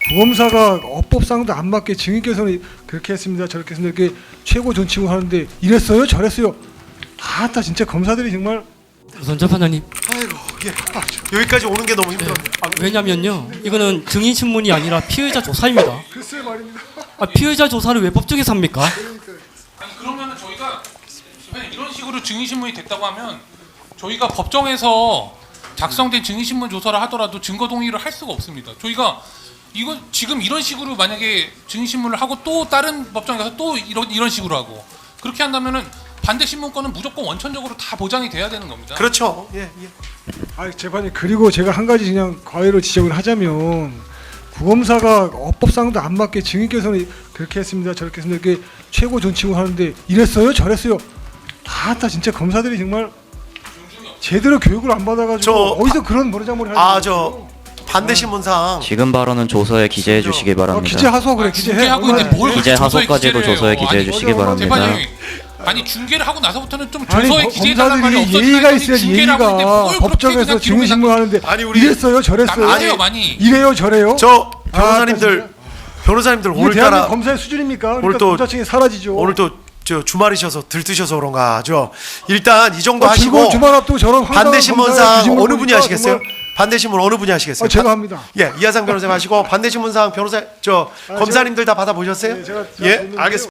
구검사가 업법상도 안 맞게 증인께서는 그렇게 했습니다, 저렇게 했습니다, 이렇게 최고 존칭을 하는데 이랬어요, 저랬어요. 아따 진짜 검사들이 정말. 우선 재판장님. 아이고 여기까지 오는 게 너무 힘들어요. 왜냐면요, 이거는 증인 신문이 아니라 피의자 조사입니다. 글쎄 말입니다. 피의자 조사를 왜 법정에서 합니까? 아니 그러면은 저희가 이런 식으로 증인신문이 됐다고 하면 저희가 법정에서 작성된 증인신문 조사를 하더라도 증거 동의를 할 수가 없습니다. 저희가 이거 지금 이런 식으로 만약에 증인신문을 하고 또 다른 법정에 가서 또 이런 식으로 하고 그렇게 한다면은 반대 신문권은 무조건 원천적으로 다 보장이 돼야 되는 겁니다. 그렇죠. 예. 아 재판이 그리고 제가 한 가지 그냥 과외로 지적을 하자면 구검사가 업법상도 안 맞게 증인께서는 그렇게 했습니다, 저렇게 했습니다, 이렇게 최고 존칭을 하는데 이랬어요, 저랬어요. 아따 진짜 검사들이 정말 제대로 교육을 안 받아가지고 어디서 그런 머리장머리 하는 저 반대 신문상 지금 발언은 조서에 기재해 주시기 바랍니다. 기재 하소 그래, 기재해. 중계하고 있는데 뭘 기재 조서에 하소까지도 기재를 조서에 해요. 기재해 아니, 주시기 바랍니다. 재판장님, 아니 중계를 하고 나서부터는 좀 아니 조서에 기재해달라는 말이 검사들이 없었어요. 예의가 있어야지, 예의가. 법정에서 증인신문 하는데 아니, 우리 이랬어요, 저랬어요, 남하세요 많이. 이래요, 저래요. 저 진짜. 변호사님들 이게 오늘따라 대한민국 검사의 수준입니까? 오늘 그러니까 또- 검사층이 사라지죠. 오늘 또 저 주말이셔서 들뜨셔서 그런가 죠. 일단 이 정도 하시고 즐거운 주말 앞두고 저런 황당한 반대 검사의 신문상 뒤집는 어느 분이 거니까 하시겠어요? 정말. 반대 신문 어느 분이 하시겠어요? 제가 합니다. 예, 이하상 변호사님 하시고 반대 신문상 변호사 검사님들 다 받아 보셨어요? 네, 제가 예, 봤는데요. 알겠습니다.